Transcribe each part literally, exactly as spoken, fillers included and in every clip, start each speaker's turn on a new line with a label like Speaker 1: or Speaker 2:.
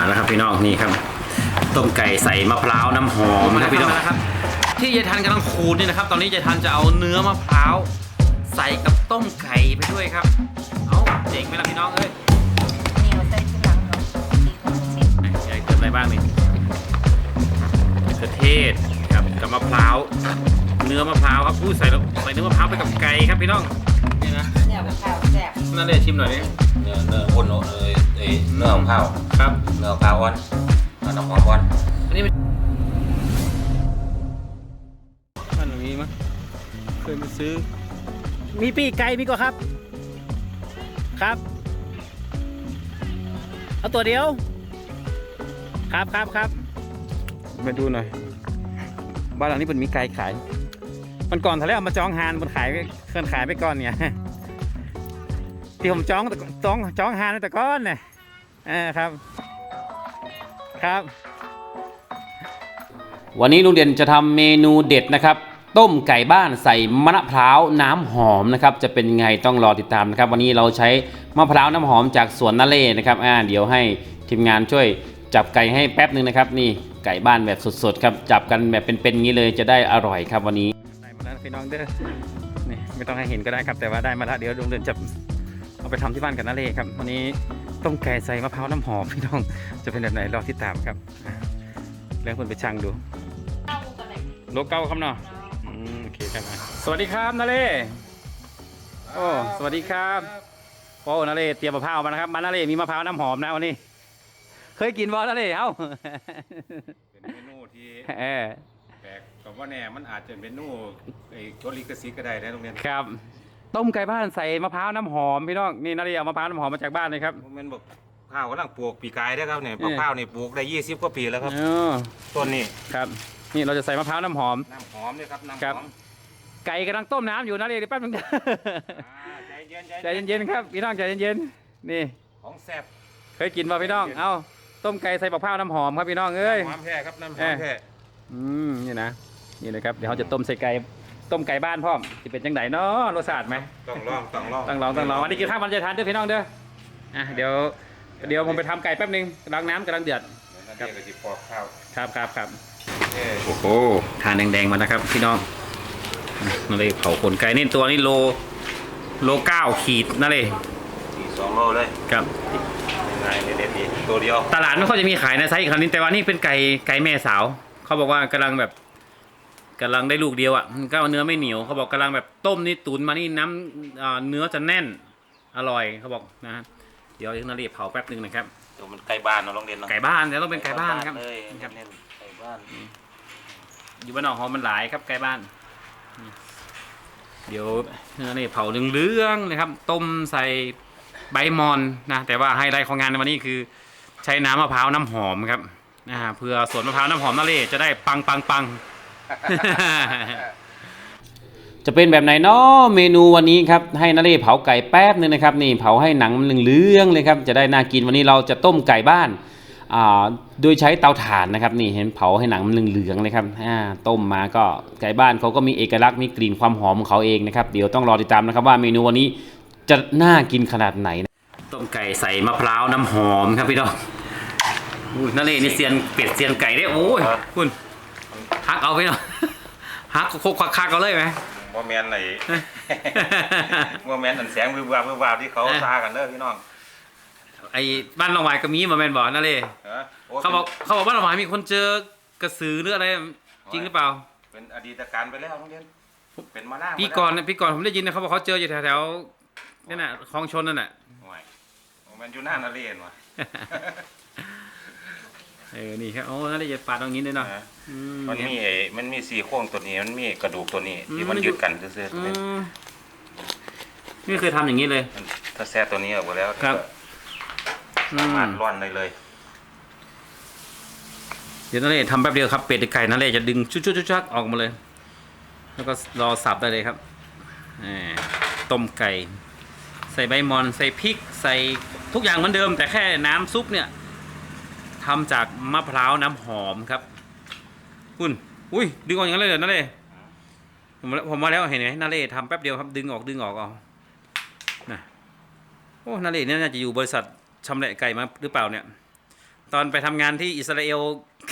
Speaker 1: แล้วครับพี่น้องนี่ครับต้มไก่ใส่มะพร้าวน้ำหอมนะครับพี่น้องนะครับที่ยายทันกำลังขูดนี่นะครับตอนนี้ยายทันจะเอาเนื้อมะพร้าวใส่กับต้มไก่ไปด้วยครับเอาเจ๋งไหมล่ะพี่น้องเอ้ย
Speaker 2: นี่เราใส่ที่หลังเนาะสีของชิม
Speaker 1: ยายเติมอะไรบ้างนี่มะเขือเทศครับกับมะพร้าวเนื้อมะพร้าวครับพูดใส่ใส่เนื้อมะพร้าวไปกับไก่ครับพี่น้องนี่นะ
Speaker 2: เนี่ยมะพร้าวแซ่บ
Speaker 1: นั่นเลยชิมหน่อยดิ
Speaker 3: เนื้อเนื้อข้นเลยเอ้เนื้อของข้าว
Speaker 1: ครับ
Speaker 3: เนื้อข้าวอ่อนน้ำหอมอ่อน
Speaker 1: อันนี้มันมีมั้ยเคยไปซื้อมีปีกไก่มีก็ครับครับเอาตัวเดียวครับครับครับมาดูหน่อยบ้านหลังนี้เป็นมีไก่ขายมันก่อนทะเลเอามาจองฮานมันขายเคลื่อนขายไปก่อนเนี่ยที่ผมจองจองจองฮานแต่ก้อนเนี่ยอ่าครับครับวันนี้ลุงเด่นจะทำเมนูเด็ดนะครับต้มไก่บ้านใส่มะพร้าวน้ำหอมนะครับจะเป็นไงต้องรอติดตามนะครับวันนี้เราใช้มะพร้าวน้ำหอมจากสวนนาเล่นะครับอ่าเดี๋ยวให้ทีมงานช่วยจับไก่ให้แป๊บนึงนะครับนี่ไก่บ้านแบบสดๆครับจับกันแบบเป็นๆงี้เลยจะได้อร่อยครับวันนี้ได้มาแล้วพี่น้องเด้อนี่ไม่ต้องให้เห็นก็ได้ครับแต่ว่าได้มาแล้วเดี๋ยวลุงเด่นจะเอาไปทำที่บ้านกับนาเล่ครับวันนี้ต้มไก่ใส่มะพร้าวน้ำหอมพี่น้องจะเป็นแบบไหนรอติดตามครับเรื่องคนไปช่างดูโลเก้าครับเนาะโอเคครับสวัสดีครับนาเล่โอ้สวัสดีครับโอ้นาเล่เตรียมมะพร้าวมานะครับมานาเล่มีมะพร้าวน้ำหอมนะวันนี้เคยกินบ่นาเล่เอ้า
Speaker 3: เป็นเมนูที่แปลกกับว่าแน่มันอาจจะเป็นเมนูไอ้โจลิกซิกก็ได้นะตรงนี้
Speaker 1: ครับต้มไก่บ้านใส่มะพร้าวน้ำหอมพี่น้องนี่นาเล่เอามะพร้าวน้ำหอมมาจากบ้านเลยครับ
Speaker 3: มันบอกข้าวกำลังปลูกปีกายได้ครับเนี่ยมะพร้าวนี่ปลูกได้ยี่สิบกว่าปีแล้วครับต้นนี้
Speaker 1: ครับนี่เราจะใส่มะพร้าวน้ำหอม
Speaker 3: น้ำหอมเนี่ยครับน้ำหอม
Speaker 1: ไก่กำลังต้มน้ำอยู่นะเดี๋ยวแป๊บนึง
Speaker 3: ใจเย็น
Speaker 1: ใจเย็นๆครับพี่น้องใจเย็นๆนี่
Speaker 3: ของแซ่บ
Speaker 1: เคยกินป่ะพี่น้องเอ้าต้มไก่ใส่มะพร้าวน้ำหอมครับพี่น้องเอ้ย
Speaker 3: น้ำหอมแท้ครับน้ำหอมแท้
Speaker 1: อืมนี่นะนี่เลยครับเดี๋ยวเขาจะต้มใส่ไก่ต้มไก่บ้านพ่อมจะเป็นจังไหนเนาะรสชาติไหม
Speaker 3: ต้องลองต้องลอง
Speaker 1: ต้องลองต้องลองวันนี้กินข้าวมันจะทานด้วยพี่น้องเด้ออ่ะเดี๋ยวเดี๋ยวผมไปทำไก่แป๊บนึงล้างน้ำกำลังเดือด
Speaker 3: ครับก็จะปอกข้าว
Speaker 1: ครับครับครับโอ้โหทานแดงๆมานะครับพี่น้องนั่นเลยเผาขนไก่นี่ตัวนี้โลโลเก้าขีดนั่นเลย
Speaker 3: สองโลเลย
Speaker 1: ครับ
Speaker 3: ง่ายเด็ดๆดีตัวเดียว
Speaker 1: ตลาดไม่ค่อยจะมีขายนะไซส์อีกครั้งนึงแต่ว่านี่เป็นไก่ไก่แม่สาวเขาบอกว่ากำลังแบบกำลังได้ลูกเดียวอ่ะก็เนื้อไม่เหนียวเขาบอกกำลังแบบต้มนี่ตุ๋นมานี่น้ำเนื้อจะแน่นอร่อยเขาบอกนะเดี๋ยวนาเรียบเผาแป๊บนึงนะครับ
Speaker 3: ตัวมันไก่บ้านเนาะโรงเรียนเนาะ
Speaker 1: ไก่บ้านแต่ต้องเป็นไก่บ้านครับ
Speaker 3: ครับไก่บ้าน
Speaker 1: อยู่บ้านนอกหอมมันหลายครับไก่บ้านเดี๋ยวเนื้อนี่เผาเหลืองๆนะครับต้มใส่ใบมอนนะแต่ว่าไฮไลท์ของงานในวันนี้คือใช้น้ำมะพร้าวน้ำหอมครับนะเพื่อสวนมะพร้าวน้ำหอมนาเล่จะได้ปังปังปังจะเป็นแบบไหนเนาะเมนูวันนี้ครับให้นาเล่เผาไก่แป๊บนึงนะครับนี่เผาให้หนังมันเหลืองๆเลยครับจะได้น่ากินวันนี้เราจะต้มไก่บ้านโดยใช้เตาถ่านนะครับนี่เห็นเผาให้หนังมันเหลืองๆเลยครับต้มมาก็ไก่บ้านเขาก็มีเอกลักษณ์มีกลิ่นความหอมของเขาเองนะครับเดี๋ยวต้องรอติดตามนะครับว่าเมนูวันนี้จะน่ากินขนาดไหนต้มไก่ใส่มะพร้าวน้ำหอมครับพี่น้องนาเล่นี่เซียนเป็ดเซียนไก่ได้โอ้ยคุณฮักเอาไปเนาะฮักโคกคักๆเอาเลยไหม
Speaker 3: ว่าแมนไหนว่าแมนอันแสงวิบวับวิบวับที่เขาตากันเด้อพี่น้อง
Speaker 1: ไอ้บ้านลองหวายก็มีมาแมนบอกนั่นเลยเขาบอกเขาบอกบ้านลองหวายมีคนเจอกระสือหรืออะไรจริงหรือเปล่า
Speaker 3: เป็นอดีตการไปแล้วน้องเด่นเป็นมาหน้า
Speaker 1: พี่ก่อนพี่ก่อนผมได้ยินนะเขาบอกเขาเจออยู่แถวๆนี่น่ะคลองชนนั่นแหละ
Speaker 3: มันอยู่หน้านาเรียนวะ
Speaker 1: เออนี่ครับโอ้นั่นเลยจะปาดตรงนี้เลยเนาะ
Speaker 3: มันมีมันมีสี่โค้งตัวนี้มันมีกระดูกตัวนี้ที่มันยึดกันซื่อ
Speaker 1: ๆนี่เคยทำอย่างนี้เลย
Speaker 3: ถ้าแซ่ตัวนี้ออกไปแล้ว
Speaker 1: ครับ
Speaker 3: สามารถร่อนได้เลย
Speaker 1: เดี๋ยวนั่นเลยทำแป๊บเดียวครับเป็ดไก่นั่นเลยจะดึงชุดๆๆออกมาเลยแล้วก็รอสับได้เลยครับต้มไก่ใส่ใบมอนใส่พริกใส่ทุกอย่างเหมือนเดิมแต่แค่น้ำซุปเนี่ยทำจากมะพร้าวน้ำหอมครับคุณอุ้ยดึงออกอย่างนั้นเลยเหรอนั่นเลยผมผมมาแล้วเห็นไหมนาเล่ทำแป๊บเดียวครับดึงออกดึงออกเอานะโอ้นาเล่เนี่ยน่าจะอยู่บริษัทชำแหละไก่มาหรือเปล่าเนี่ยตอนไปทำงานที่อิสราเอล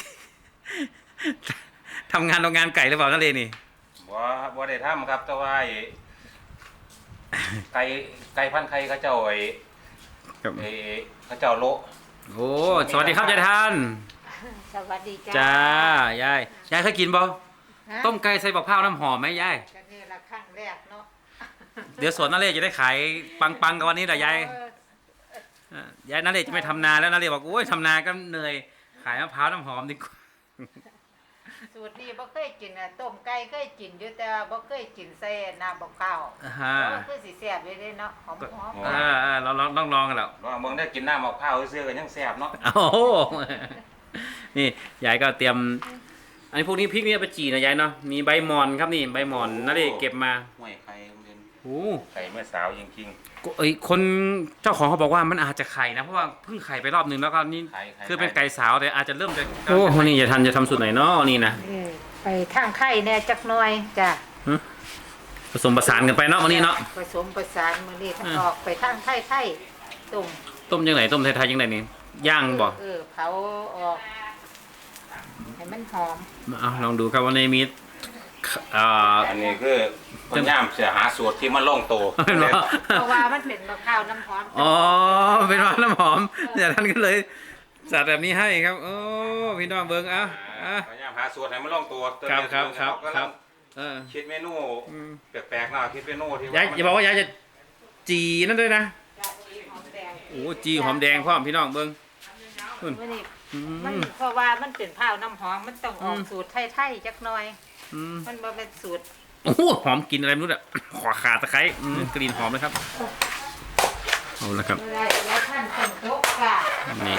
Speaker 1: ทำงานโรงงานไก่หรือเปล่านั่นเลยนี่
Speaker 3: บ่บ่ได้ทำครับแต่ว่าไอ้ไก่ไก่พันธุ์ไข่เขาเจ้าไอ้ไอ้เขาเจ้าโละ
Speaker 1: โอ้สวัสดีครับยายทัน
Speaker 2: สวัสดีจ้า
Speaker 1: จ้ายายยายเคยกินบ่
Speaker 2: ฮะ
Speaker 1: ต้มไก่ใส่บักพร้าวน้ำหอมไหมยาย
Speaker 2: ก็นี่ละครั้งแรกเนาะ
Speaker 1: เดี๋ยวสวนนั่นเลยจะได้ขายปังๆกันวันนี้แหละยาย
Speaker 2: เออ
Speaker 1: อ่ะยายนั่นเลยจะไม่ทำนาแล้วนั่นเลยบอกโอ้ยทำนาก็เหนื่อยขายมะพร้าวน้ำหอมดีกว่า
Speaker 2: สูตรนี้บ่เคยกินน่ะต้มไก่เคยกินอยู่แต่ว่าบ่เคยกินใส่น้ำบักข้าว
Speaker 1: อ่าฮะ
Speaker 2: เออคือสิแซ่บอยู่เด้เนาะหอม
Speaker 1: เออเออเราลองต้องลองกันแล้ว
Speaker 3: ลองเบิ่งได้กินน้ำมะพร้าวซื่อๆก็ยังแซ่บเนาะ
Speaker 1: โอ้โหนี่ยายก็เตรียม อันนี้พวกนี้พริกนี่เอาไปจีนะยายเนาะมีใบหมอนครับนี่ใบหมอนนั่นเลยเก็บมา
Speaker 3: ห้วยไข่โรงเรียน
Speaker 1: โอ้
Speaker 3: ไข่เมื่อสาวจริง
Speaker 1: ก็เอ้ยคนเจ้าของเขาบอกว่ามันอาจจะไข่นะเพราะว่าเพิ่งไข่ไปรอบนึงแล้วก็นี่
Speaker 3: ๆไข่ไข่
Speaker 1: คือเป็นไก่สาวแต่อาจจะเริ่มจะโอ้นี่จะทันจะทำสูตรไหนเนาะนี่นะ
Speaker 2: เออไปทางไข่แน่จักหน่อยจ้ะ
Speaker 1: ผสมผสานกันไปเนาะวันนี้เนาะ
Speaker 2: ผสมประสานมื้อนี้
Speaker 1: อืม
Speaker 2: ออกไปทางไข่ไข่ต้ม
Speaker 1: ต้มยังไงต้มไทยๆยังไงนี่ย่างบ่
Speaker 2: เออเผาออกให้มันหอม
Speaker 1: เอาลองดูครับวันนี้มีอ่า
Speaker 3: อันนี้คือคนย่ามเสียหาสูตรที่มันลงตัว
Speaker 1: เป็นว่า
Speaker 2: เพราะว่ามันเป็นมะพร้าวน้ำหอม
Speaker 1: อ๋อเป็นว่าน้ำหอมอย่างนั้นก็เลยจัดแบบนี้ให้ครับโอ้พี่น้องเบิ้งอ่ะอ่ะ
Speaker 3: คนย่ามหาสูตรให้มันลงตัวตัว
Speaker 1: ครับ
Speaker 3: เดียว
Speaker 1: ครับครับ
Speaker 3: ก็
Speaker 1: ครับเออ
Speaker 3: คิดเมนู
Speaker 1: อืม
Speaker 3: แปลกๆหน่อยคิดเมนูที่
Speaker 1: ยายอย่าบอกว่ายายจะจีนั่นด้วยนะ
Speaker 2: จ้ะสีหอมแดง
Speaker 1: โอ้จีหอมแดงพร้อมพี่น้องเบิ้ง
Speaker 2: มื้อนี้
Speaker 1: อื
Speaker 2: มัน
Speaker 1: ม
Speaker 2: เพราะว่ามันเป็นข้าวน้ำหอมมันต้องออก
Speaker 1: อืม
Speaker 2: สูตรไทยๆจักหน่อย
Speaker 1: อืม
Speaker 2: มันบ่เป็นสูตร
Speaker 1: โอ้โหหอมกลินอะไรไม่รู้อ่ะขอขาตะไคร้อืมกลิ่นหอมเลยครับเอาละครับ
Speaker 2: อะไรแล้วท่านเป็นโต๊ะค่ะ
Speaker 1: นี่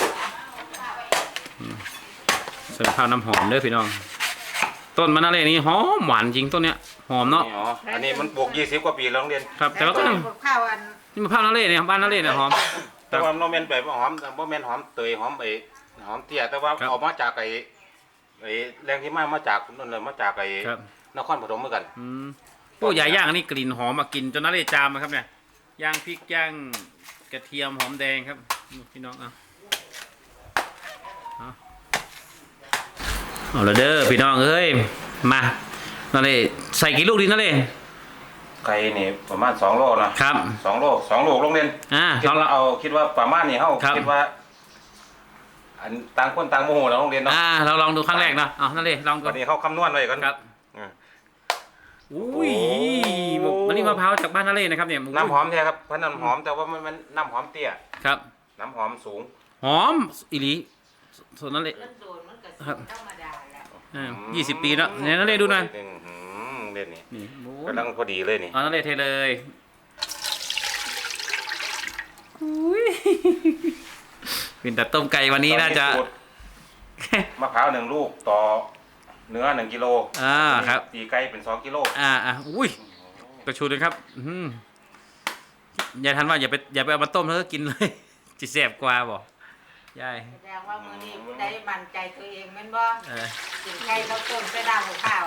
Speaker 1: อืมใส่ข้าวน้ำหอมเด้อพี่น้อง ต้นมะนาวเลยนี่หอมหวานจริงต้นเนี้ยหอมเนาะ
Speaker 3: นี่อ๋ออันนี้มันปลูกยี่สิบกว่าปีแล้วโรงเรียน
Speaker 1: ครับ แต่ว่าก็ยัง
Speaker 2: ข้าวอัน
Speaker 1: นี่มะพร้าวนาเล่เนี่ยครับบ้านนาเล่เนี่ยหอม
Speaker 3: แต่ว่าโนเมนไปบ่หอมแต่บ่แม่นหอมเตยหอมไอ้หอมเตี้ยแต่ว่า
Speaker 1: ครับ
Speaker 3: เออกมาจากไอ้ไอ้แรงที่มามาจากนั่นเลยมาจากไอ้
Speaker 1: ครับ
Speaker 3: นครปฐมเหมือนกัน
Speaker 1: อืมโอ้ยาย่างอันนี้กลิ่นหอมมากินจนนาเล่จามมาครับเนี่ยย่างพริกย่างกระเทียมหอมแดงครับพี่น้องเอาเอาเอาละเด้อพี่น้องเอ้ยมานาเล่ใส่กี่ลูกดีนาเล่
Speaker 3: ไก่นี่ประมาณสองโลนะครับ สองโลสองโลโรงเรียน
Speaker 1: อ่า
Speaker 3: คิด
Speaker 1: ลอง
Speaker 3: ว่าเอาคิดว่าประมาณนี้เฮา
Speaker 1: ครับ
Speaker 3: คิดว่า อันต่างคนต่างโมโหแล้วโรงเรียนเนาะ
Speaker 1: อ่าเราลองดูครั้งแรกเนาะเอานาเล่ลองดู
Speaker 3: วันนี้เฮาคำนวณไว้กัน
Speaker 1: ครับ
Speaker 3: อืม
Speaker 1: อุ้ย
Speaker 3: โอ้
Speaker 1: วันนี้มะพร้าวจากบ้านนาเล่นะครับเนี่ย
Speaker 3: น้ำหอมแท้ครับเพราะน้ำหอมแต่ว่ามันมันน้ำหอมเตี้ย
Speaker 1: ครับ
Speaker 3: น้ำหอมสูง
Speaker 1: หอมอีหลีส่วนนาเล่
Speaker 2: มันโดนมันก็
Speaker 1: ครับ
Speaker 2: ธรรมดาแล้ว
Speaker 1: อ่ายี่สิบปีแล้วเนี่ยนาเล่ดูหน่อย
Speaker 3: อืมอืมเล่นนี่
Speaker 1: นี่โอ้
Speaker 3: กำลังพอดีเลยนี่
Speaker 1: เอานาเล่เทเลยอุ้ยเป็นแต่ต้มไก่วันนี้น่าจะ
Speaker 3: ตอสูตรมะพร้าวหนึ่งลูกต่อเนื้อหนึ่งกิโล
Speaker 1: อ่าครับ
Speaker 3: ตีไก่เป็นสองกิโล
Speaker 1: อ่าอ่าอุ้ยกระชูเลยครับอื้อหืออย่าทันว่าอย่าไปอย่าไปเอามาต้มแล้วก็กินเลย จิแสบกว่าบอกยาย
Speaker 2: แสดงว่ามื้อนี้ผู้ใดมั่นใจตัวเองแม่นบ่
Speaker 1: เออ
Speaker 2: กินไก่บ่ต้มใส่ดาวกับข้าว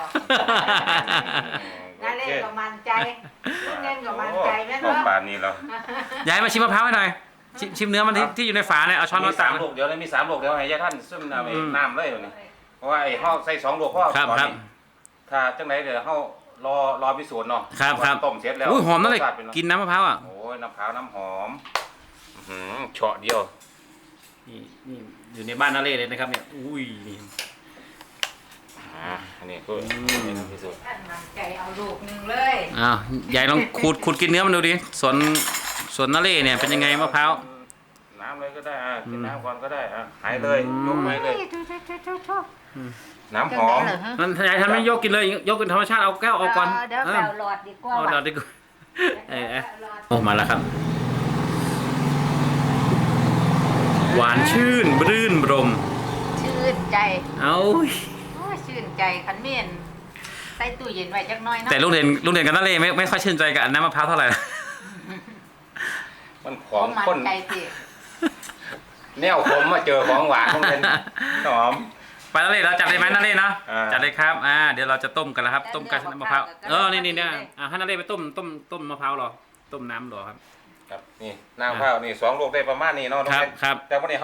Speaker 2: นั่นเล่นก็มั่นใจลูกเล่นก็มั่นใจแม่น
Speaker 3: โอ้
Speaker 2: บ่
Speaker 3: ป่านนี้แล้ว
Speaker 1: ยายมาชิมมะพร้าวให้หน่อยชิมชิมเนื้อมันที่ที่อยู่ในฝาเนี่ยเอาช้อน
Speaker 3: มี
Speaker 1: มา
Speaker 3: สา
Speaker 1: ตัก
Speaker 3: มลูกเดี๋ยวเลยมีสามลูกเดี๋ยวให้ยายท่านซึมน้ำไอ้
Speaker 1: อืม
Speaker 3: น้ำเลยเดี๋ยวนี้เพราะว่าไอ้ห้อใส่สองลูกพ่อ
Speaker 1: ครับ
Speaker 3: ตอน
Speaker 1: ครับ
Speaker 3: นี้ถ้าจังไหนเดี๋ยวห้อรอรอพิสูจน์เนาะ
Speaker 1: ครับครับ
Speaker 3: ว่าต้มเสร็จแล้ว
Speaker 1: อุ้ยหอมนั่นเลย
Speaker 3: รสชาติป็ไง
Speaker 1: กินน้ำมะพร้าวอ่ะ
Speaker 3: โอ้ยน้ำขาวน้ำหอมอื้อหือเฉาะเดียว
Speaker 1: นี่นี่อยู่ในบ้านนาเล่เลยนะครับเนี่ยอุ้ยนี่
Speaker 3: อ่าอันนี้คือ
Speaker 1: อืม
Speaker 3: นี่พิสูจน์
Speaker 2: ท่านมั่นใจเอาลูกหนึงเลย
Speaker 1: อ้าวยายลองขูดขูดกินเนื้อมันดูดิสวนสวนนาเล่เนี่ยเป็นยังไงมะพร้าว
Speaker 3: น้ำเลยก็ได้อ่ะกิน
Speaker 1: อืม
Speaker 3: น้ำก่อนก็ได้อ่ะหายเลย
Speaker 1: อืม
Speaker 3: ยกไปเลย
Speaker 2: ทุๆๆๆ
Speaker 3: น้ำหอม
Speaker 2: จังได๋เหรอฮะ
Speaker 1: นั่นยายทำไม่ยกกินเลยยกเป็นธรรมชาติเอาแก้วเอาก่อน
Speaker 2: เดี๋ยว
Speaker 1: เอ
Speaker 2: แป
Speaker 1: อ
Speaker 2: วหลอดดีกว่า
Speaker 1: เอา
Speaker 2: ว่ะ
Speaker 1: เดี๋ยวดีกว่าเออเออ
Speaker 2: หลอด
Speaker 1: โอ้มาแล้วครับ หวานชื่นรื่นรม
Speaker 2: ชื่นใจ
Speaker 1: เอา
Speaker 2: โอ้ยชื่นใจคันเมียนใส่ตู้เย็นไว้จักหน่อยเนาะ
Speaker 1: แต่ลูกเรียนลูกเรียนกันนั่นเลยไม่ไม่ค่อยชื่นใจกับน้ำมะพร้าวเท่าไหร่
Speaker 3: มันข
Speaker 2: ข
Speaker 3: อ
Speaker 2: อง งมัน
Speaker 3: ข้น
Speaker 2: ใจสิ
Speaker 3: แนวขมมาเจอของหวานต้องเป็นหอม
Speaker 1: ไปนั่นเลยเราจัดเลยไหมนั่นเลยเนาะ
Speaker 3: อ่า
Speaker 1: จัดเลยครับอ่าเดี๋ยวเราจะต้มกันแล้วครับ ต้มกันน้ำมะพร้าวเออนี่นี่เนี่ยอ่าให้นั่นเลยไปต้มต้มต้มมะพร้าวรอต้มน้ำรอครับ
Speaker 3: ครับนี่น้ำข้าวนี่สองลูกได้ประมาณนี้เนาะ
Speaker 1: ครับ
Speaker 3: น้องเบน
Speaker 1: ครับ
Speaker 3: แต่วันนี้เขา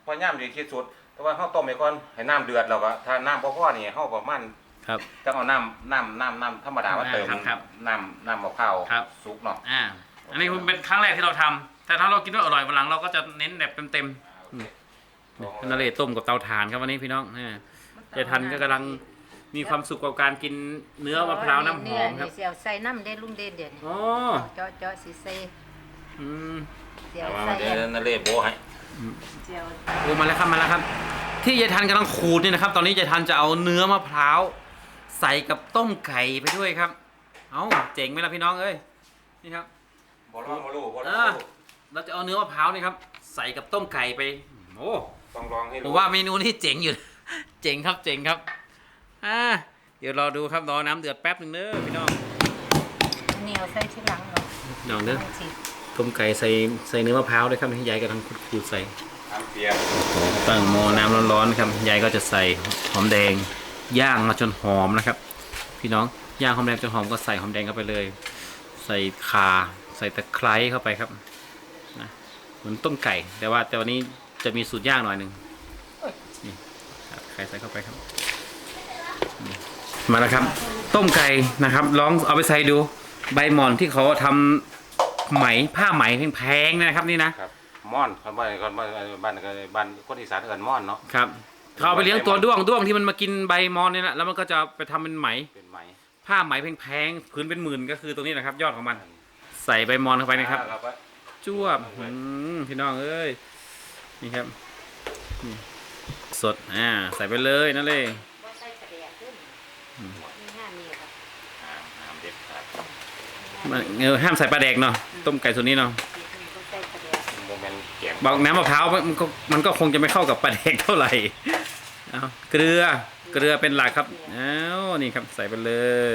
Speaker 3: พอย่ำดีที่สุดแต่ว่าเฮาต้มไปก่อนให้น้ำเดือดแล้วก็ถ้าน้ำบ่พอนี่เฮาประมาณ
Speaker 1: ครับ
Speaker 3: ต้องเอาน้ำน้ำน้ำน้ำธรรมดามาเติม
Speaker 1: ครับครับ
Speaker 3: น้ำน้ำมะพร้าว
Speaker 1: ครับ
Speaker 3: สุกเนาะ
Speaker 1: อ่าอันนี้เป็นครั้งแรกที่เราทำแต่ถ้าเรากินว่าอร่อยวันหลังเราก็จะเน้นแบบเต็มๆนาเรศต้มกับเตาถ่านครับวันนี้พี่น้องอ่าเจทันก็กำลังมีความสุขกับการกินเนื้อมะพร้าวน้ำหอมครับ
Speaker 2: เสียวใส่น้ำเด็ดลุงเด็ดเด็ด
Speaker 1: อ๋อ
Speaker 2: เจาะเจาะสิใส่
Speaker 1: อืม
Speaker 2: เสียว
Speaker 3: เอา
Speaker 2: ใส่
Speaker 3: มาเดี๋ยวนาเรศโบให้
Speaker 2: เสียว
Speaker 1: โอ้มาแล้วครับมาแล้วครับ ที่ยายทันกำลังขูดนี่นะครับ ตอนนี้ยายทันจะเอาเนื้อมะพร้าวใส่กับต้มไก่ไปด้วยครับ เอ้าเจ๋งไหมล่ะพี่น้องเอ้ยนี่ครับ
Speaker 3: บ่ลองบ่รู้บ่ลอง
Speaker 1: อ่า
Speaker 3: บ่รู้
Speaker 1: เราจะเอาเนื้อมะพร้าวนี่ครับใส่กับต้มไก่ไปโอ้
Speaker 3: ต้องลองให้
Speaker 1: ผ
Speaker 3: รู้
Speaker 1: มว่าเมนูนี้เจ๋งอยู่ เจ๋งครับเจ๋งครับอ่าเดี๋ยวรอดูครับรอน้ำเดือดแป๊บหนึ่งเด้อพี่น้อง
Speaker 2: เหนียวใส่ทีหลังเนาะ
Speaker 1: น้องเด้อ
Speaker 2: สิ
Speaker 1: ต้มไก่ใส่ใส่เนื้อมะพร้าวด้วยครับที่ยายกำลังขูดๆใส่
Speaker 3: น้ำเปียก
Speaker 1: ตั้งหม้อน้ำร้อนๆครับยายก็จะใส่หอมแดงย่างมาจนหอมนะครับ พี่น้องย่างหอมแดงจนหอมก็ใส่หอมแดงเข้าไปเลย ใส่ข่าใส่ตะไคร้เข้าไปครับนะเหมือนต้มไก่แต่ว่าแต่วันนี้จะมีสูตรย่างหน่อยหนึ่งนี่ครับไข่ใส่เข้าไปครับนี่มาแล้วครับ ต้มไก่นะครับลองเอาไปใส่ดูใบหม่อนที่เขาทำไหมผ้าไหมแพงๆนะครับนี่นะครับ
Speaker 3: ม่อนคนบ้านคนบ้านบ้านบ้านคนอีสานเอิ้นม่อนเนาะ
Speaker 1: ครับเขาเอาไปเลี้ยงตัวด้วงด้วงที่มันมากินใบมอนนี่แหละแล้วมันก็จะไปทำเป็นไหม
Speaker 3: เป็นไหม
Speaker 1: ผ้าไหมแพงๆพื้นเป็นหมื่นก็คือตรงนี้นะครับ ยอดของมัน ใส่ใบมอนเข้าไปนะครับ
Speaker 3: แล้วก็
Speaker 1: จ้วบอืมพี่น้องเอ้ยนี่ครับนี่สดอ่าใส่ไปเลยนั่นเลย
Speaker 2: บ่ใส่กระเดียขึ้นนี่ห้ามีครับ
Speaker 3: อ่าน้ำเด็ดครับ
Speaker 1: มันเออห้ามใส่ปลาแดกเนาะต้มไก่ส่วนนี้เนาะ
Speaker 2: บ่ใส่กระเดีย
Speaker 3: โมเมนต์แกง
Speaker 1: บอกน้ำมะพร้าวมันก็มันก็คงจะไม่เข้ากับปลาแดกเท่าไหร่เอาเกลือเกลือเป็นหลักครับอ้าวนี่ครับใส่ไปเลย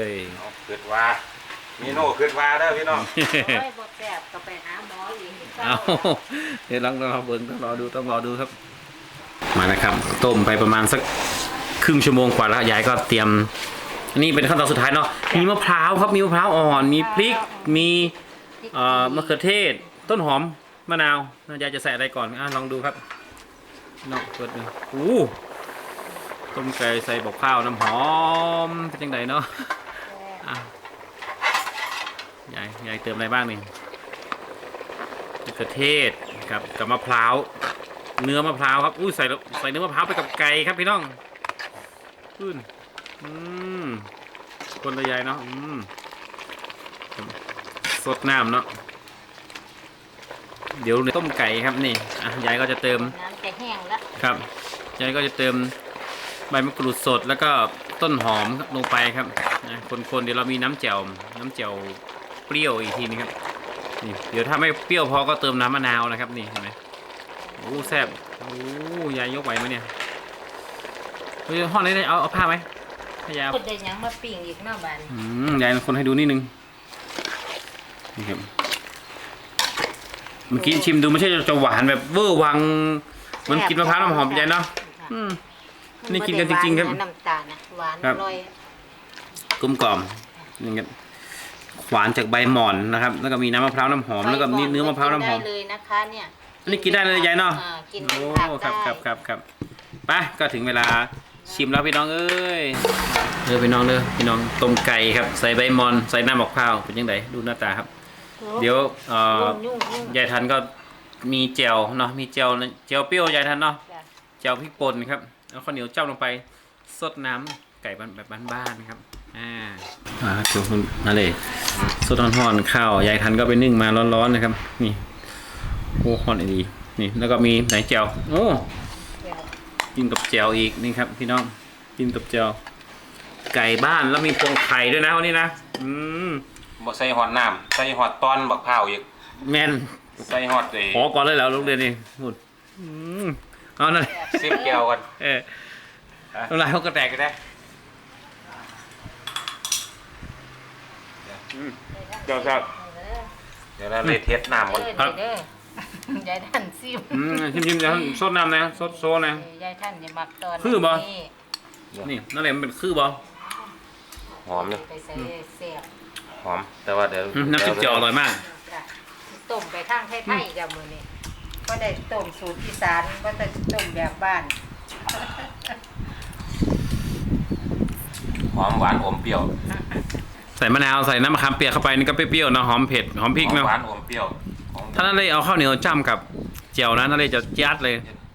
Speaker 3: เอาคิดว่ามีโน่คิดว่าเด้อพี่น้อง
Speaker 2: โอ้ยบ่แซ่บก็ไปหาหมออีก
Speaker 1: เอาเดี๋ยวลองรอเบิ่งต้องรอดูต้องรอดูครับ มานะครับต้มไปประมาณสักครึ่งชั่วโมงกว่าแล้วยายก็เตรียมอันนี้เป็นขั้นตอนสุดท้ายเนาะมีมะพร้าวครับมีมะพร้าวอ่อนมีพริกมีเอ่อมะเขือเทศต้นหอมมะนาวยายจะใส่อะไรก่อนอ่ะลองดูครับเนาะเปิดดูอู้ต้มไก่ใส่บอกข้าวน้ำหอมเป็นยังไงเนาะอ่ะยายยายเติมอะไรบ้างนี่มะเขือเทศกับกับมะพร้าวเนื้อมะพร้าวครับอุ้ยใส่ใส่เนื้อมะพร้าวไปกับไก่ครับพี่น้องขึ้นอืมคนละยายเนาะอืมสดน้ำเนาะเดี๋ยวต้มไก่ครับนี่อ่ะยายก็จะเติม
Speaker 2: น้ำจะแห้งแล้ว
Speaker 1: ครับยายก็จะเติมใบมะกรูดสดแล้วก็ต้นหอมลงไปครับนะคนๆเดี๋ยวเรามีน้ำแจ่วน้ำแจ่วเปรี้ยวอีกทีนึงครับนี่เดี๋ยวถ้าไม่เปรี้ยวพอก็เติมน้ำมะนาวนะครับนี่เห็นไหมโอ้แซ่บโอ้ยายยกไหวไหมเนี่ยเฮ้ยห้องนี้เอาเอาผ้าไหมให้ยาย
Speaker 2: คนได้หยังมาปิ้งอีกเนาะบ้าน
Speaker 1: อืมยายคนให้ดูนิดนึงนี่ครับเมื่อกี้ชิมดูไม่ใช่จะหวานแบบเวอร์วังเหมันกินมะพร้าวน้ำหอมยายเนาะอืม นี่กินกันจริงๆครับ
Speaker 2: น้ำตาลนะหวาน
Speaker 1: ครั
Speaker 2: อบ ร่อย
Speaker 1: กลมกล่อมอย่างเงี้ยหวานจากใบหม่อนนะครับ แล้วก็มีน้ำมะพร้าวน้ำหอมแล้วก็มีเนื้อมะพร้าวน้ำหอม
Speaker 2: ได้เลยนะคะเนี่ย
Speaker 1: อันนี้กินได้เลยยายเนาะ
Speaker 2: อ่กิน
Speaker 1: โอ้
Speaker 2: เป็นผัก
Speaker 1: ครับ
Speaker 2: ได้
Speaker 1: ครับครับครับไปก็ถึงเวลาชิมแล้วพี่น้องเอ้ยเด้อพี่น้องเด้อพี่น้องต้มไก่ครับใส่ใบหมอนใส่น้ำมะพร้าวเป็นยังไงดูหน้าตาครับ เดี๋ยวเอ่อ
Speaker 2: ยุ่งยุ่ง
Speaker 1: ยายทันก็มีแจ่วเนาะมีแจ่วแจ่วเปรี้ยวยายทันเนาะ
Speaker 2: จ้ะ
Speaker 1: แจ่วพริกป่นครับแล้วข้าวเหนียวเจ้าลงไปสดน้ำไก่แบบบ้านๆนะครับอ่าอ่าเดี๋ยวคุณมาเลยสดร้อนๆข้าวยายทันก็ไปนึ่งมาร้อนๆนะครับนี่โอ้ฮอนดีนี่แล้วก็มีไหนแจ่วโอ้
Speaker 2: เดี๋ยว
Speaker 1: กินกับแจ่วอีกนี่ครับพี่น้องกินกับแจ่วไก่บ้านแล้วมีพวงไข่ด้วยนะวันนี้นะอืม
Speaker 3: บ่ใส่หอดน้ำใส่หอดตอนบักพร้าวอีก
Speaker 1: แม่น
Speaker 3: ใส่หอดเอ้
Speaker 1: ขอก่อนเลยแล้วลูกเรียนนี่พูดอืมเอานั่น
Speaker 3: ซิมแก้วกัน
Speaker 1: เออน้ำลายเขาก็แตกกันได้อืมเจ้าครับ
Speaker 3: เดี๋ยวเราเลยเทสน้ำก่อน
Speaker 2: เด้อ
Speaker 1: ครับ
Speaker 2: เด้อยายท่านซิม
Speaker 1: อืมชิมชิมๆเดี๋ยวซดน้ำนะซดโซนะ
Speaker 2: ยายท่านอย่ามักตอน
Speaker 1: คือบ่
Speaker 2: นี้
Speaker 1: นี่นั่นแหละมันเป็นคือบอ
Speaker 3: หอมเลย
Speaker 2: ไปใส่เสียบ
Speaker 3: หอมแต่ว่าเดี๋ยว
Speaker 1: มน้ำจิ้มแจ่วอร่อยมาก
Speaker 2: จ้ะต้มไปทางไทยๆจ้ะมื้อนี้ก็ได้ต้มสูตรอีสานก็จะต้มแบบบ้าน
Speaker 3: หอมหวานอมเปรี้ยว
Speaker 1: ใส่มะนาวใส่น้ำมะขามเปียกเข้าไปนี่ก็เปรี้ยวๆเนาะหอมเผ็ดหอมพริก
Speaker 3: หอม
Speaker 1: เนาะ
Speaker 3: หวานอมเปรี้ยวของ
Speaker 1: ถ้านั่นเลยเอาข้าวเหนียวจ้ำกับเจียวนะนั่นเลยจะยัดเลย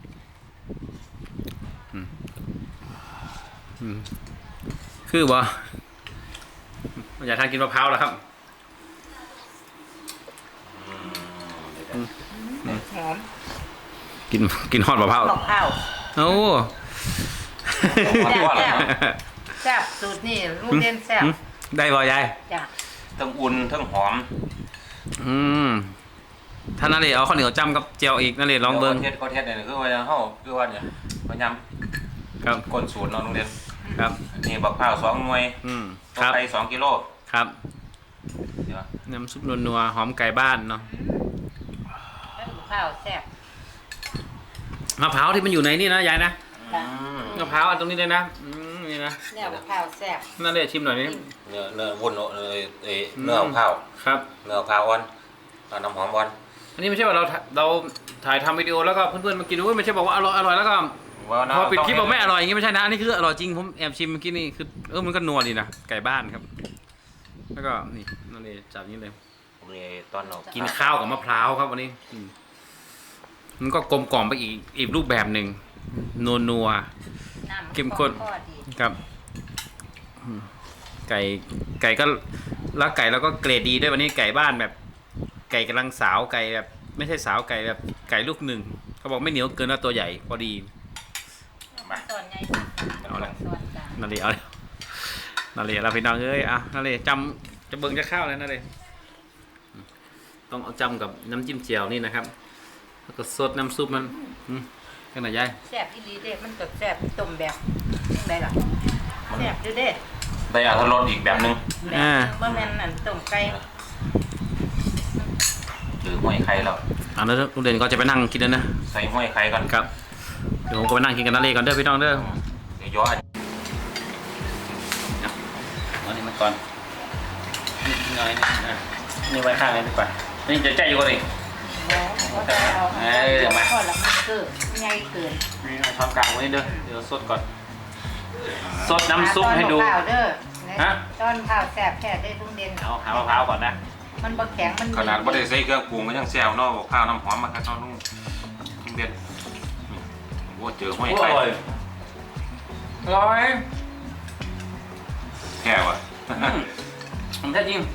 Speaker 1: อืมอืมคือบ่อยากทานกินมะพร้าวแล้วครับ
Speaker 2: หอม
Speaker 1: กินกินฮอดมะพร้าว
Speaker 2: มะพร้าว
Speaker 1: โอ้
Speaker 3: หวานหวาน
Speaker 2: แซ่บ
Speaker 3: เนาะ
Speaker 2: แซ่บสูตรนี่ลูกเด่นแซ่บ
Speaker 1: ได้บ่ยาย
Speaker 2: จ้ะ
Speaker 3: ทั้งอุ่นทั้งหอม
Speaker 1: อืมถ้านั่นเลยเอาข้าวเหนียวจ้ำกับเจียวอีกนั่นเลยลองเบิ้ง
Speaker 3: เทศเขาเทศเนี่ยคือว่าเฮาคือว่าเนี่ยพยายาม
Speaker 1: ครับ
Speaker 3: ก้นสูตรเนาะโรงเรียน
Speaker 1: ครับ
Speaker 3: นี่บักพร้าวสองหน่วย
Speaker 1: อืม
Speaker 3: ต้
Speaker 1: ค
Speaker 3: ม
Speaker 1: รับ
Speaker 3: ไก่สองกิโล
Speaker 1: ครับ
Speaker 3: เดี๋ยว
Speaker 1: น้ำซุปนัวๆหอมไก่บ้านเนาะ
Speaker 2: แล้วมะพร้าวแซ่บ
Speaker 1: มะพร้าวที่มันอยู่ในนี่นะยายนะ
Speaker 2: จ้ะ
Speaker 1: มะพร้าวอันตรงนี้เลยนะอืมนี่นะ
Speaker 2: เนี่ยมะพร้าวแซ่บ
Speaker 1: นั่นเลยชิมหน่อยนี่
Speaker 3: เนื้อเนื้อวุ้นเอ่อเอ่อเนื้อของข้าว
Speaker 1: ครับ
Speaker 3: เนื้อของข้าวอ่อนเอาน้ำหอมอ่อน
Speaker 1: อันนี้ไม่ใช่ว่าเราถ่าเราถ่ายทำวิดีโอแล้วก็เพื่อนๆมากินอุ้ยไม่ใช่บอกว่าอร่อยอร่อยแล้วก็
Speaker 3: ว่านะ
Speaker 1: พอปิดคลิป
Speaker 3: ต้
Speaker 1: บอกไม่อร่อยอย่างงี้ไม่ใช่นะอันนี้คืออร่อยจริงผมแอบชิมเมื่อกี้นี่คือเออมันก็นัวดีนะไก่บ้านครับ แล้วก็นี่นั่นเลยจับนี้เลย
Speaker 3: ผมนี่ตอนเรา
Speaker 1: กิ
Speaker 3: กิ
Speaker 1: นข้าวกับมะพร้าวครับวันนี้อืมมันก็กลมกล่อมไปอีกอีกรูปแบบหนึ่งนัวนัว
Speaker 2: น้ำ
Speaker 1: เข้มข้น
Speaker 2: ก็ดี
Speaker 1: ๆครับอืมไก่ไก่ก็แล้วไก่แล้วก็เกรดดีด้วยวันนี้ไก่บ้านแบบ ไก่กำลังสาวไก่แบบ ไม่ใช่สาวไก่แบบไก่ลูกหนึ่งเขาบอกไม่เหนียวเกินแล้วตัวใหญ่พอดี
Speaker 3: มา
Speaker 2: ส่วนใหญ่
Speaker 1: เอาละ
Speaker 2: ส่วนกลาง
Speaker 1: นั่นเลยเอาเลยนั่นเลยเราพี่น้องเอ้ยอ่ะนั่นเลยจำจะเบิ่งจะข้าวเลยนั่นเลยต้องเอาจำกับน้ำจิ้มเจียวนี่นะครับ แล้วก็สดน้ำซุปมันอืมกันหน่อยยาย
Speaker 2: แซ่บอีหลีเด้มันก็แซ่บต้มแบบจังไดล่ะแซ่บอยู่เด้
Speaker 3: ได้อัตรสอีกแบบหนึง
Speaker 2: แบบบ่แม่นอันต้มไก่
Speaker 3: หรือห้อยไข่แล้ว
Speaker 1: อ่ะแล้วลุงเด่นก็จะไปนั่งกินแล้วนะ
Speaker 3: ใส่ห้อยไข่ก่อน
Speaker 1: ครับเดี๋ยวผมก็ไปนั่งกินกันนั่นเลยก่อนเด้อพี่น้องเด้อ
Speaker 3: เดี๋ยวย้อน
Speaker 1: เอานี่มาก่อนนี่หน่อยนี่อ่ะนี่ไว้ข้างเลยดีกว่านี่จะใจอยู่ก่อนดิ
Speaker 2: บ่บ่ได้เอา
Speaker 1: เอ้ยมา
Speaker 2: พอละมันเกินใหญ่เกิน
Speaker 1: นี่เอาช้อนกลางไว้นี่เด้อเดี๋ยวสดก่อนสดน้ำซุปให้ดู
Speaker 2: ตอนมะพร้าวเด้อ
Speaker 1: ฮะ
Speaker 2: ตอนข้าวแซ่บแท้ได้ลุงเด่น
Speaker 1: เอาหามะพร้าวก่อนนะ
Speaker 2: มันบ่แข็งมัน
Speaker 3: ขนาดบ่ได้ใส่เครื่องปรุงก็ยังแซวเนาะบอกข้าวน้ำหอมมาครับน้องลุงลุงเด็ดนี่โอ้เจอห้อย
Speaker 1: โอ้
Speaker 3: ไข่
Speaker 1: ยอร่อย
Speaker 3: แค่ว่ะ
Speaker 1: ผมแท้จริง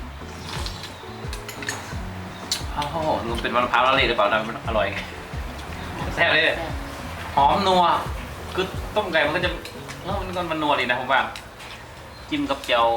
Speaker 1: โอ้โหดูเป็นมะพร้าวละลายหรือเปล่านะมันอร่อยแซ่บเลยหอมนัวคือต้มไก่มันก็จะเออมันก็มันนัวดีนะผมว่าจิ้มกับเจียว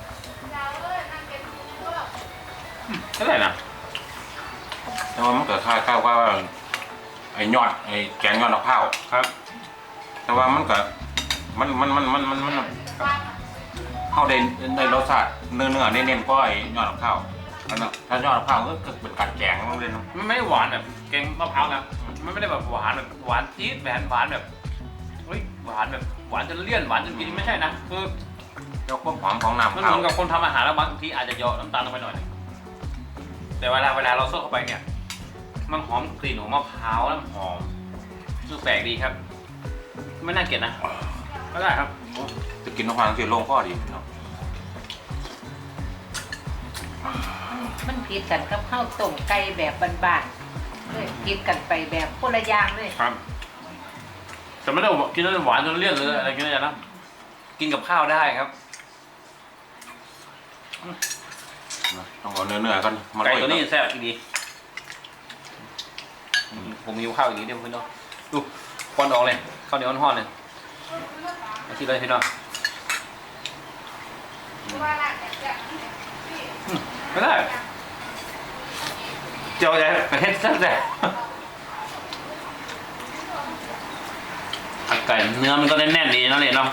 Speaker 1: เท่าไหร่นะ
Speaker 3: แต่ว่ามันเกิดค่าข้าวว่าไอ้ยอดไอ้แกงยอดมะพร้าว
Speaker 1: ครับ
Speaker 3: แต่ว่ามันก็มันมันมันมันมันมันเข้าได้ได้รสชาติเนื้อเนื้อเน้นๆก็ไอ้ยอดมะพร้าวอันนั้นถ้ายอดมะพร้าวก็คือเป็นกัดแกงต้องเล่นเนาะ
Speaker 1: มันไม่ได้หวานแบบแกงมะพร้าวนะมันไม่ได้แบบหวานแบบหวานจี๊ดแหวนหวานแบบเฮ้ยหวานแบบหวานจนเลี่ยนหวานจนกินไม่ใช่นะคือ
Speaker 3: เจ้าความหอมของน้ำ
Speaker 1: มัน
Speaker 3: มะพ
Speaker 1: เห
Speaker 3: ร้า
Speaker 1: มื
Speaker 3: ว
Speaker 1: อนกับคนทำอาหารแล้วบางทีอาจจะเหยาะน้ำตาลลงไปหน่อยนึงแต่เวลาเวลาเราซดเข้าไปเนี่ย มันหอมกลิ่นของมะพร้าวแล้วหอมคือแปลกดีครับ ไม่น่าเกลียดนะก็ได้ครับ
Speaker 3: จะกินน้ำมันเสียลงก็ดีเนาะ
Speaker 2: มันผิดกันกับข้าวต้มไก่แบบบ้านๆเลยผิดกันไปแบบคนละอย่างเลย
Speaker 1: ครับแต่ไม่ได้กินแล้วหวานจนเลี่ยนหรืออะไรกินได้นะกินกับข้าวได้ครับ
Speaker 3: ต้องเอาเนื้อเนื้อกันมา
Speaker 1: ไก่
Speaker 3: โรย
Speaker 1: ตัวนี้แซ่บดีผมมีข้าวอย่างนี้เดียวพี่น้องดูควันออกเลยข้าวเหนียวห่อนๆเลยมาที่เลยพี่น้องไม่ได้เจียวใหญ่ประเทศแซ่บแต่ไก่เนื้อมันก็แน่นๆดีนั่นเลยเนาะ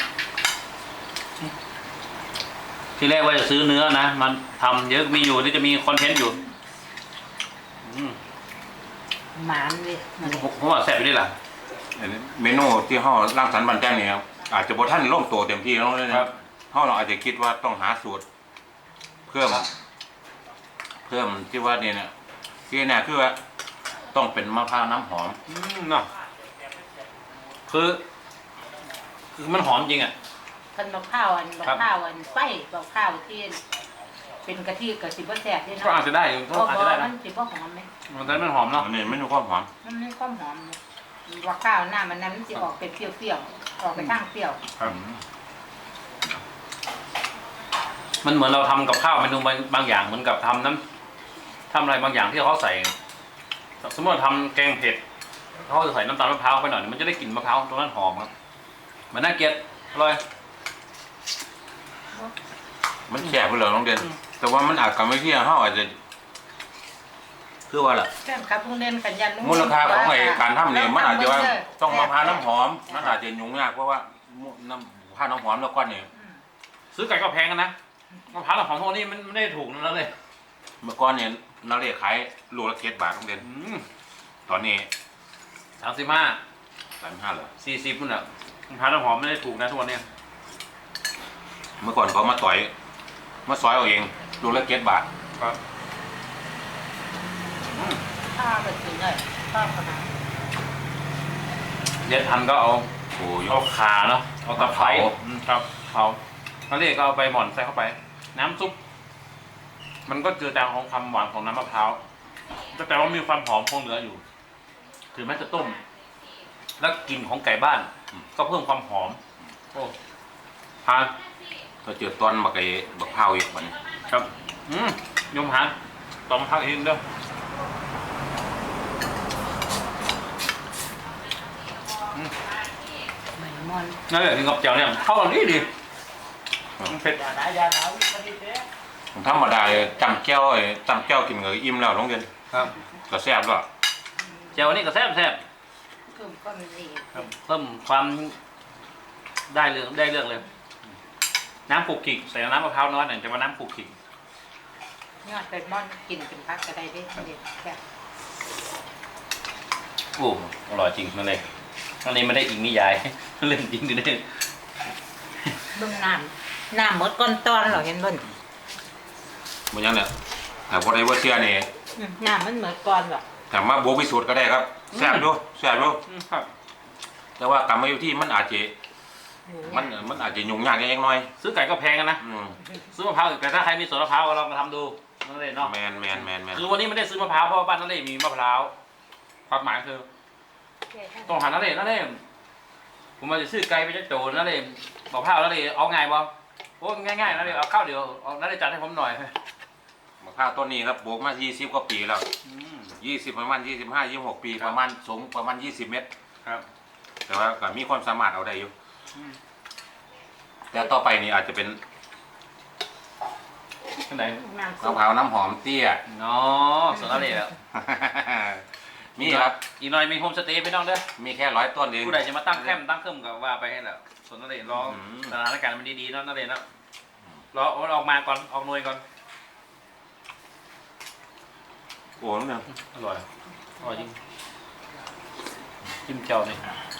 Speaker 1: ที่แรกว่าจะซื้อเนื้อนะมันทำเยอะมีอยู่ที่จะมีคอนเทนต์อยู่อืม
Speaker 2: หมานเลย
Speaker 1: ผมผมว่าแซ่บอยู่นี่แหละ
Speaker 3: เมนูที่ห่อร่างสรรค์บันแจ้งเนี่ยครับอาจจะบท่านล่มตัวเต็มที่แล้วเลยนะครับห่อเราอาจจะคิดว่าต้องหาสูตร เพิ่ม เพิ่มที่ว่าเนี่ยนะที่เนี่ยคือว่าต้องเป็นมะพร้าวน้ำหอม
Speaker 1: อืมเนาะคือคือมันหอมจริงอ่ะ
Speaker 2: คันมะพร้าวอันมะ
Speaker 1: ครับ
Speaker 2: พร้าวอันไฟมะพร้าวที่เป็นกะทิกับสิบแสบด้วย
Speaker 1: ก็
Speaker 2: เนาะ
Speaker 1: อาจจะได้ก็
Speaker 2: เพราะ
Speaker 1: อาจจะได้
Speaker 2: มั
Speaker 1: นะ
Speaker 2: นสิบ่หอมไหม
Speaker 1: มันจะมันหอมเนาะ
Speaker 3: อันนี้ไม่มีความหอม
Speaker 2: มันมีความหอมเนี่ยมะพร้าวหน้ามันนั้นมันสิออกเป็นเปรี้ยวๆออกไปทางเปรี้ยว
Speaker 1: ครับมันเหมือนเราทำกับข้าวเมนูบางบางอย่างเหมือนกับทำน้ำทำอะไรบางอย่างที่เขาใส่ สมมติเราทำแกงเผ็ดเขาจะใส่น้ำตาลมะพร้าวไปหน่อยมันจะได้กลิ่นมะพร้าวตรงนั้นหอมครับมันน่าเกลียดอร่อย
Speaker 3: มันแฉะไปเลยน้องเด่นแต่ว่ามันอาจจะไม่เที่ยงเขาอาจจะคือว่าล่ะ
Speaker 2: แค่ครับลุงเด่นกันยันลุง
Speaker 3: มูลค่าของไอ้การทำเนี่ยมันอาจจะว่า
Speaker 2: เด้
Speaker 3: ต้องมะพร้าวน้ำหอมมันอาจจะยุ่งยากเพราะว่าน้ำมะพร้าวน้ำหอมแล้วก้อนเนี่ย
Speaker 2: อืม
Speaker 1: ซื้อไก่ก็แพงกันนะมะพร้าวน้ำหอมพวกนี้มันไม่ได้ถูกนั่นเลย
Speaker 3: เมื่อก่อนเนี่ยนาเรียขายโลละเจ็ดบาทน้องเด่น
Speaker 1: อืม
Speaker 3: ตอนนี้
Speaker 1: สามสิบห้า
Speaker 3: สามห้าเลย
Speaker 1: สี่สิบมันอ่ะมะพร้าวน้ำหอมไม่ได้ถูกนะทุกวันเนี้ย
Speaker 3: เมื่อก่อนเขามาต่อยมาซอยเอาเองโลละเจ็ดบาท
Speaker 1: ครับ
Speaker 2: ข้าวแบบนี้เลยข้าวขนาด
Speaker 1: เด็ดทันก็เอา
Speaker 3: โอ้ย
Speaker 1: เอาขาเนาะเอาตะไคร้
Speaker 3: เผา
Speaker 1: อืมครับเผานั่นเองก็เอาไปหม่อนใส่เข้าไป น้ำซุปมันก็เจือจางของความหวานของน้ำมะพร้าวแต่ว่ามีความหอมคงเหลืออยู่ ถึงแม้จะต้ม แล้วกลิ่นของไก่บ้าน ก็เพิ่มความหอม โอ้ทาน
Speaker 3: ก็เจอตอนบักไอ้บักเผาวอีกมัน
Speaker 1: ครับ อืมยมหานตอมพักอินเด้อ
Speaker 2: เหมือนมอน
Speaker 1: นั่นแหละกินกับเจียวเนี่ยเข้ากันดีดีมันเผ็ด
Speaker 3: ผมธรรมดาจำแก้วไอ้จำแก้วกินกับอิ่มแล้วน้องเด่น
Speaker 1: ครับ
Speaker 3: ก็แซ่บด้วย
Speaker 1: เจียวนี่ก็แซ่บแซ่บ
Speaker 2: เพิ่มความดี
Speaker 1: ครับเพิ่มความได้เรื่องได้เรื่องเลย น้ำขูกขิกใส่น้ำมะพร้าวน้อยหน่อยจะมาน้ำขูกขิก
Speaker 2: ยอดเป็นมอนกินเป็นพักก็ได้เด้เด็ดแค่
Speaker 1: โอ้อร่อยจริงนั่นเลยอันนี้ไม่ได้อิงนิยาย เรื่องจริงดิเนี่ย
Speaker 2: เบิ่งน้ำน้ำหมดก้อนตอนเหรอเห็นบ่น
Speaker 3: มันยังเนี่ยแต่พอได้ว่าเสียนี่
Speaker 2: อืมน้ำมันเหมือนก้อนเหรอ
Speaker 3: ถามว่าโบวิสูตรก็ได้ครับแซ่บดูแซ่บดู
Speaker 1: ครับ
Speaker 3: แต่ว่ากรรมวิธีมันอาจจะมันมันอาจจะยุ่งยากนิดหน่อย
Speaker 1: ซื้อไก่ก็แพงกันนะ
Speaker 3: อืม
Speaker 1: ซื้อมะพร้าวอีกแต่ถ้าใครมีสวนมะพร้าวก็ลองมาทำดูนั่นเลยเนาะ
Speaker 3: แมนแมนแมนแมน
Speaker 1: คือวันนี้ไม่ได้ซื้อมะพร้าวเพราะว่าบ้านนั่นเลยมีมะพร้าวความหมายคือต้องหานั่นเลยนั่นเลยผมมาจะซื้อไก่ไปจะโจนั่นเลยบอกข้าวนั่นเลยเอาไงบ่โอ้ง่ายๆนั่นเลยเอาข้าวเดียวเอานั่นเลยจัดให้ผมหน่อย
Speaker 3: มะพร้าวต้นนี้ครับปลูกมายี่สิบกว่าปีแล้ว
Speaker 1: อืม
Speaker 3: ยี่สิบประมาณยี่สิบห้ายี่สิบหกปีประมาณสูงประมาณยี่สิบเมตร
Speaker 1: ครับ
Speaker 3: แต่ว่าก็มีความสามารถเอาได้อยู่
Speaker 1: อืม
Speaker 3: แต่ต่อไปนี่อาจจะเป็น
Speaker 1: ที่ไหน
Speaker 2: น้ำ
Speaker 3: มะ
Speaker 2: ซุป
Speaker 3: พร้าวน้ำหอมเตี้ย
Speaker 1: เนาะสวนนั่นเลยแล้ว
Speaker 3: มีครับ
Speaker 1: อีกหน่อยมีโฮมสเตย์ไปน้องเด้อ
Speaker 3: มีแค่ร้อยต้นเอง
Speaker 1: ผู้ใดจะมาตั้งแคมป์ตั้งเครื่องกับว่าไปให้แล้วสวนนั่นเลยรอ
Speaker 3: อืม
Speaker 1: สถานการณ์มันดีๆเนาะนั่นเลยเนาะรอเอาออกมาก่อนออกหน่วยก่อน
Speaker 3: โอ้โหเนี่ย
Speaker 1: อร่อยอร่อยจริงจิ้มเจียวนี่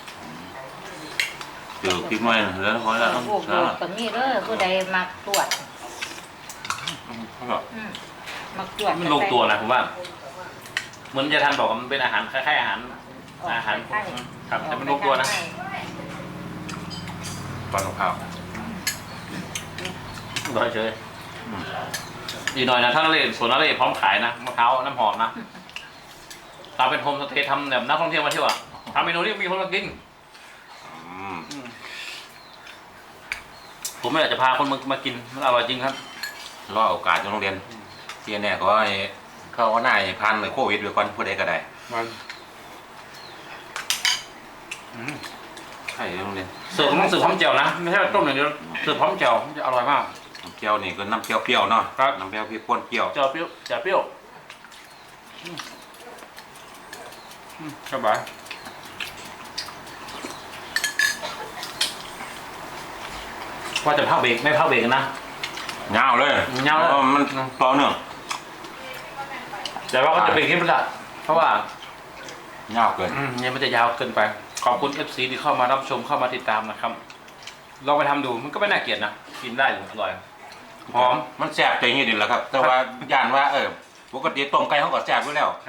Speaker 3: เดี๋ยวพริกหน่อยนะแล้วพอแล้ว
Speaker 2: โอ้โหตรงนี้เด้อผู้ใดมักตรวจอืมมักตรวจ
Speaker 1: มันลงตัวนะผมว่าเหมือนจะทันบอกว่ามันเป็นอาหารคล้ายๆอาหารอาหารพวกครับแต่มันลงตัวนะ
Speaker 3: ตอนมะพร้าว
Speaker 1: อร่อยเฉยอีกหน่อยนะถ้านั่นเลยสวนนั่นเลยพร้อมขายนะมะพร้าวน้ำหอมนะตามเป็นโฮมสเตย์ทำแบบนักท่องเที่ยวมาเที่ยวอ่ะทำเมนูที่มีคนมากิน
Speaker 3: อืม
Speaker 1: ผมไม่อยากจะพาคนมามากินมันอร่อยจริงครับ
Speaker 3: รอโอกาสจะโรงเรียนเที่ยเนี่ยก็ให้เข้าว่าหน้าให้พันเลยโควิดไปก่อนผู้ใดก็ได้
Speaker 1: มัน
Speaker 3: ใช่โรงเรียน
Speaker 1: เสิร์ฟต้องเสิร์ฟพร้อมแจ่วนะไม่ใช่ต้มอย่างเดียวเสิร์ฟพร้อมแจ่วมันจะอร่อยมาก
Speaker 3: น้ำเปรี้ยวนี่ก็น้ำเปรี้ยวเปรี้ยวๆเนาะ
Speaker 1: ครับ
Speaker 3: น้ำเปรี้ยวพริกป่นเปรี้ยว
Speaker 1: แจ่วเปรี้ยวแจ่วเปรี้ยวอืมอืมสบายว่าจะพักเบรกไม่พักเบรกนะ
Speaker 3: เงาวเลย
Speaker 1: เงาเลย
Speaker 3: พระมันต่อเนื่อง
Speaker 1: แต่ว่าก็จะเป็นคลิปละเพราะว่า
Speaker 3: เงาวเกิน
Speaker 1: อืมยังไม่จะยาวเกินไป ขอบคุณ เอฟ ซี ที่เข้ามารับชมเข้ามาติดตามนะครับ ลองไปทำดูมันก็ไม่น่าเกลียดนะ กินได้อยู่อร่อย หอม
Speaker 3: มันแซ่บใจเงี้ยดีแหละครับ แต่ว่าย่านว่าเออปกติต้มไก่เขาก็แซ่บอยู่แล้ว
Speaker 1: ครับ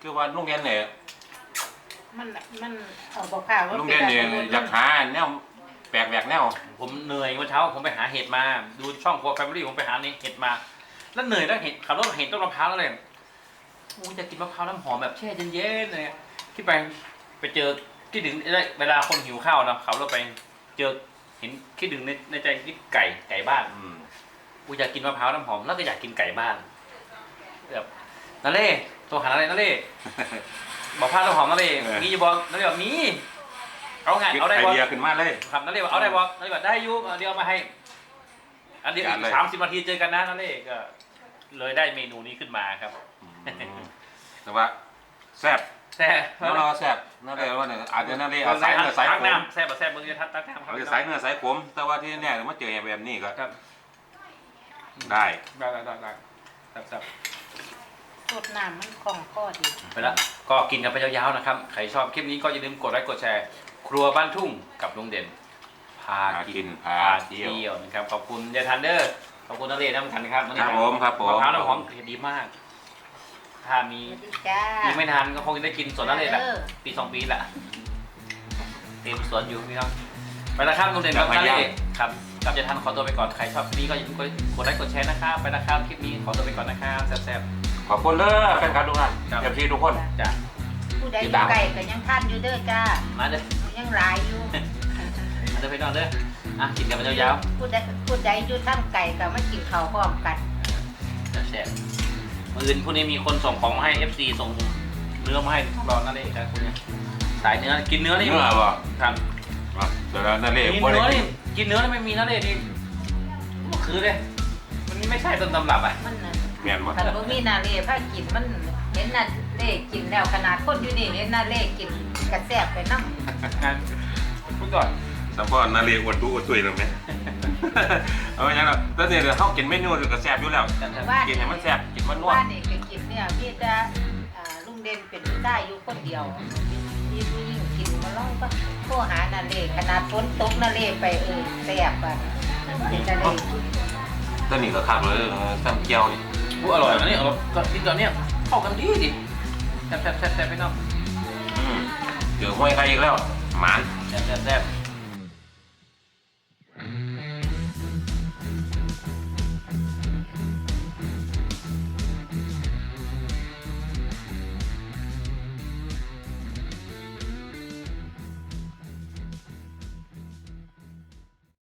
Speaker 3: คือว่าลุงเด่นเนี่ย
Speaker 2: มันมันเอาบอกข่าวว่า
Speaker 3: ลุงเด่นเนี่ยอยากหาแนวแปลกแหวกแนว
Speaker 1: ผมเหนื่อยเมื่อเช้าผมไปหาเห็ดมาดูช่องครัวแฟมิลี่ผมไปหาเห็ดมาแล้วเหนื่อยแล้วเห็ดขับรถเห็นต้นมะพร้าวแล้วเลยโอ้ยจะกินมะพร้าวน้ำหอมแบบแช่เย็นๆเลยคิดไปไปเจอคิดถึงเวลาคนหิวข้าวนะขับรถไปเจอเห็นคิดถึงในในใจคิดไก่ไก่บ้าน
Speaker 3: อืม
Speaker 1: กูอยากกินมะพร้าวน้ำหอมแล้วก็อยากกินไก่บ้านแบบนาเล่ตัวหาอะไรนาเล่บอกพร้าวน้ำหอมนาเล่มีอยู่บอกนาเล่บอกมีเอาไงเอาได้
Speaker 3: ไอ
Speaker 1: บอก
Speaker 3: เดียขึ้นมาเลย
Speaker 1: ครับนาเล่บอกเอาได้บอกนาเล่บอกได้อยุเดี๋ยวเอามาให้อันเดียว
Speaker 3: จัดเลย
Speaker 1: สามสิบนาทีเจอกันนะนาเล่ก็เลยได้เมนูนี้ขึ้นมาครับ
Speaker 3: แต่ว่าแซ่บ
Speaker 1: แซ่บ
Speaker 3: น้องเราแซ่บนั่นเลยว่าเนี่ยอาจจะนั่นเลยเอาสายเนื้อสาย
Speaker 1: ตัก
Speaker 3: ขม
Speaker 1: น้ำแซ่บแบบแซ่บเมื่อกี้ทัดตักน้ำครั
Speaker 3: เอา
Speaker 1: บ
Speaker 3: สายเนื้อสายขมแต่ว่าที่เนี่ยมาเจอแบบนี้ก็
Speaker 1: ครับ
Speaker 3: ได้
Speaker 1: ได้ได้ได้ได้แซ่บแซ่บ
Speaker 2: สดน้ำมันคล่องคอดี
Speaker 1: ไปแล้วก็กินกันไปยาวๆนะครับใครชอบคลิปนี้ก็อย่าลืมกดไลค์กดแชร์ครัวบ้านทุ่งกับลุงเด่นพา
Speaker 3: พา
Speaker 1: กิ
Speaker 3: กิ
Speaker 1: น
Speaker 3: นพา
Speaker 1: พา
Speaker 3: เที่
Speaker 1: เที่
Speaker 3: ยว
Speaker 1: ยวนะครับขอบคุณยายทันเดอร์ขอบคุณนักเรียนน้ำกันครับวันนี้
Speaker 3: ครับผมครับผม
Speaker 1: มะพร้าวน้ำหอมเผ็ดดีมาก ถ้ามี
Speaker 2: สวัสดีจ้า
Speaker 1: มีไม่นานก็คงจะได้กินสวนนักเรียนแหละ
Speaker 2: เออ
Speaker 1: ปีสองปีแหละเต็มสวนอยู่พี่น้องไปแล้วครับลุงเด่นกับนักเรียนครับกับยายทันขอตัวไปก่อนใครชอบคลิปนี้ก็อย่าลืมกดไลค์กดแชร์นะครับไปแล้วครับคลิปนี้ขอตัวไปก่อนนะครับแซ่บ
Speaker 3: ขอบคุณเลยแฟนคลับทุกท่าน
Speaker 1: ครับ
Speaker 3: เอฟซีทุกคน
Speaker 1: ๆจ้ะ
Speaker 2: ผู้ใดอยู่ไกลก็ยังท่านอยู่เด้อจ้า
Speaker 1: มาเด้อ
Speaker 2: ยังหลายอยู่
Speaker 1: มาเด้อพี่น้องเด้ออ่ะกินกันไปยาว
Speaker 2: ผู้ใดผู้ใดอยู่ทั้งไก่ก็มากินข้าวพร้อมกัน
Speaker 1: ๆแซ่บๆมื่ออื่นพรุ่งนี้มีคนส่งของมาให้ เอฟ ซี ส่งเนื้อมาให้รอนั่นเองครับคุณเนี่ยสายเนื้อกินเนื้อนี่
Speaker 3: เนื้อบ่
Speaker 1: ครับ
Speaker 3: อ่ะเดี๋ยวนั่นเลย
Speaker 1: มี
Speaker 3: บ่
Speaker 1: เนื้
Speaker 3: ได้
Speaker 1: อนี่กินเนื้อนี่ไม่มีนั่นเลยนี่คือเลยมันไม่ใช่ต้นตำรับอ่ะ
Speaker 2: มันน่ะ
Speaker 3: แม่นบ่
Speaker 2: คันบ่มีนาเล่พากินมันเห็นนาเล่กินแล้วขนาดคนอยู่นี่เห็นนาเล่กินกระแซ่บไปนำ
Speaker 1: งานพูดก่อน
Speaker 3: สัมพอนาเรอวดตู้อวดตุยแล้วไหม เอาไว้ยังล่ะแต่เนี่ยเดี๋ยวเขากินเมนูเดี๋ยวก็แซ่บอยู่แล้ว
Speaker 2: ว่า
Speaker 3: กินให้มันแซ่บกินมันนว
Speaker 2: ว่า
Speaker 3: ด
Speaker 2: นี่ก็กินเนี่ยพี่จะอ่าลุงเด่นเป็นผู้ชายอยู่คนเดียวมีผู้หญิงกินมาลองก็โทรหานาเล่ขนาดฝนตกนาเล่ไปเออแซ่บอ่ะเป็นนาเล่
Speaker 3: ตัวนี้ก็คักเลยเออแซ่บเจียวนี่
Speaker 1: พูดอร่อยนะนี่อร่อยก็กินตอนเนี้ยเข้ากันดีดิแซ่บแซ่บแซ่บแซ่บพี่น้อง
Speaker 3: อืมเจอห้วยไข่อีกแล้วหมาน
Speaker 1: แซ่บแซ่บแซ่บ